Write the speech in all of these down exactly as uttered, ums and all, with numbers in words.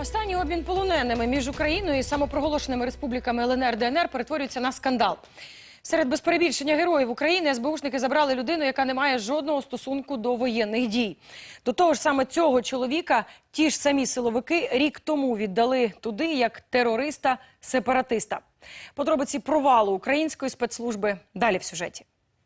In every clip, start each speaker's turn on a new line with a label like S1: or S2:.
S1: Останній обмін полоненими між Україною і самопроголошеними республіками Л Н Р, Д Н Р перетворюється на скандал. Серед без перебільшення героїв України ес беушники забрали людину, яка не має жодного стосунку до воєнних дій. До того ж, саме цього чоловіка ті ж самі силовики рік тому віддали туди як терориста-сепаратиста. Подробиці провалу української спецслужби далі в сюжеті.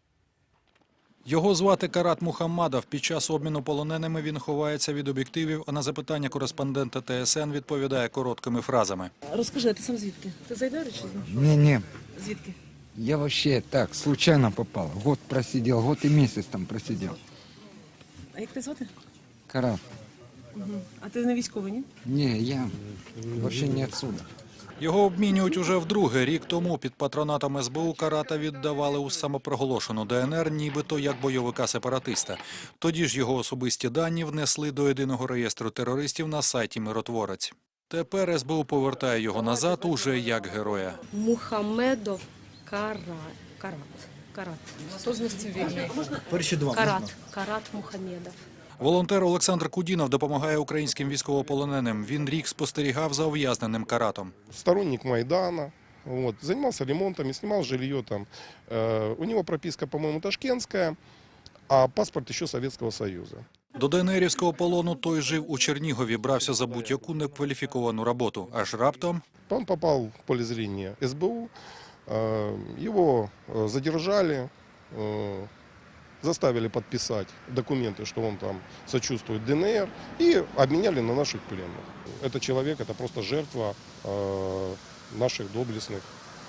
S2: Його звати Карат Мухаммадов. Під час обміну полоненими він ховається від об'єктивів, а на запитання кореспондента Т С Н відповідає короткими фразами.
S3: Розкажи, а ти сам звідки? Ти з Айдару чи з?
S4: Не, не.
S3: Звідки?
S4: Я вообще так, случайно попал. Год просидел, год и месяц там просидел.
S3: А як тебе звати?
S4: Карат.
S3: Угу. А ти не військовий, ні?
S4: Не, я вообще не отсюда.
S2: Його обмінюють уже вдруге. Рік тому під патронатом ес бе у Карата віддавали у самопроголошену Д Н Р, нібито як бойовика-сепаратиста. Тоді ж його особисті дані внесли до єдиного реєстру терористів на сайті «Миротворець». Тепер ес бе у повертає його назад уже як героя.
S5: Мухамедов Карат. Карат. Карат.
S1: Хто з них цивільний?
S5: Карат. Карат Мухамедов.
S2: Волонтер Олександр Кудінов допомагає українським військовополоненим. Він рік спостерігав за ув'язненим Каратом.
S6: Сторонник Майдана, вот, занимался ремонтом, снимал жилье там. Э, у него прописка, по-моему, ташкентская, а паспорт еще Советского Союза.
S2: До ДНРівського полону той жив у Чернігові, брався за будь-яку некваліфіковану роботу. Аж раптом...
S6: Он попал в поле зрения ес бе у, э, его задержали, э, заставили подписать документы, что он там сочувствует Д Н Р, и обменяли на наших пленных. Этот человек – это просто жертва э, наших доблестных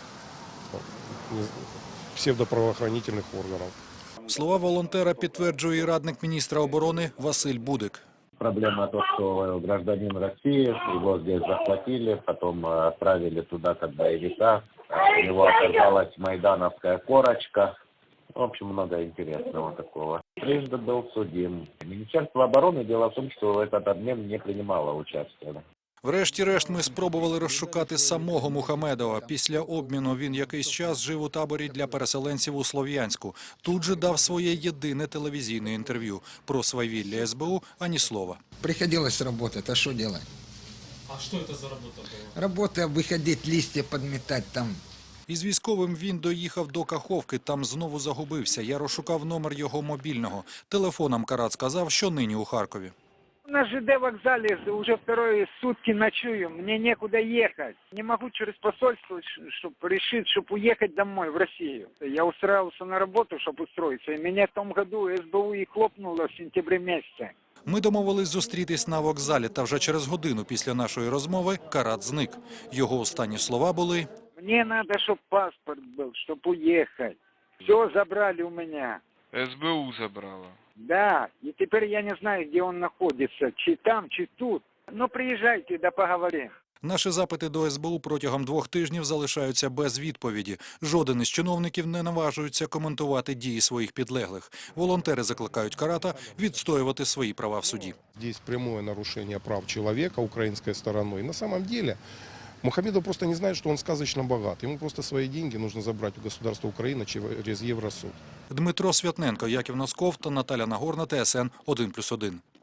S6: э, псевдоправоохранительных органов.
S2: Слова волонтера підтверджує і радник міністра оборони Василь Будик.
S7: Проблема то, что гражданин России, его здесь захватили, потом отправили туда как боевика. У него оказалась майдановская корочка. В общем, много интересного такого. Трижды был судим. Министерство обороны, дело в том, что в этот обмен не принимало участия.
S2: Врешті-решт ми спробували розшукати самого Мухамедова. Після обміну він якийсь час жив у таборі для переселенців у Слов'янську. Тут же дав своє єдине телевізійне інтерв'ю. Про свавілля ес бе у ані слова.
S4: Приходилось работать, а что делать?
S8: А что это за работа была?
S4: Работа, выходить, листья подметать там.
S2: Із військовим він доїхав до Каховки, там знову загубився. Я розшукав номер його мобільного. Телефоном Карат сказав, що нині у Харкові.
S9: На Ж Д вокзале уже вторые сутки ночую, мне некуда ехать. Не могу через посольство, чтобы решить, чтобы уехать домой, в Россию. Я устраивался на работу, чтобы устроиться, и меня в том году ес бе у и хлопнуло в сентябре месяце.
S2: Ми домовились зустрітись на вокзалі, та вже через годину після нашої розмови Карат зник. Його останні слова були:
S9: «Мне надо, чтобы паспорт был, чтобы уехать. Все забрали у меня».
S10: ес бе у забрала.
S9: Да, и теперь я не знаю, где он находится, чи там, чи тут. Ну, приезжайте, да поговорим.
S2: Наші запити до ес бе у протягом двох тижнів залишаються без відповіді. Жоден із чиновників не наважується коментувати дії своїх підлеглих. Волонтери закликають Карата відстоювати свої права в суді.
S6: Здесь прямое нарушение прав человека украинской стороной. На самом деле Мухамедов просто не знает, что он сказочно богат. Ему просто свои деньги нужно забрать у государства Украины через Евросуд.
S2: Дмитро Святненко, Яків Носков та Наталя Нагорна, Т С Н один плюс один.